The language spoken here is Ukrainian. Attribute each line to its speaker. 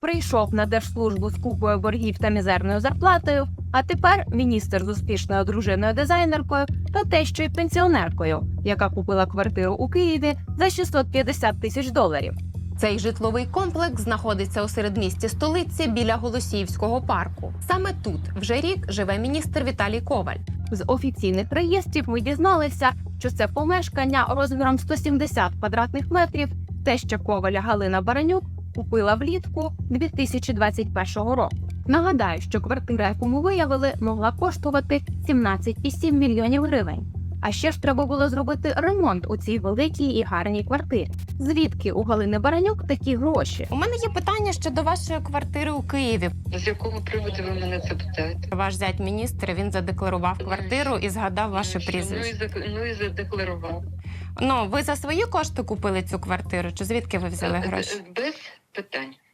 Speaker 1: прийшов на держслужбу з купою боргів та мізерною зарплатою, а тепер міністр з успішною дружиною-дизайнеркою та тещою пенсіонеркою, яка купила квартиру у Києві за 650 тисяч доларів.
Speaker 2: Цей житловий комплекс знаходиться у середмісті столиці біля Голосіївського парку. Саме тут вже рік живе міністр Віталій Коваль.
Speaker 1: З офіційних реєстрів ми дізналися, що це помешкання розміром 170 квадратних метрів теща Коваля Галина Баранюк купила влітку 2021 року. Нагадаю, що квартира, яку ми виявили, могла коштувати 17,7 мільйонів гривень. А ще ж треба було зробити ремонт у цій великій і гарній квартирі. Звідки у Галини Баранюк такі гроші?
Speaker 2: У мене є питання щодо вашої квартири у Києві.
Speaker 3: З якого приводу ви мене це питаєте?
Speaker 2: Ваш зять міністр, він задекларував квартиру і згадав ваше прізвище.
Speaker 3: Ну і задекларував.
Speaker 2: Ну, ви за свої кошти купили цю квартиру, чи звідки ви взяли гроші?
Speaker 3: Без питань.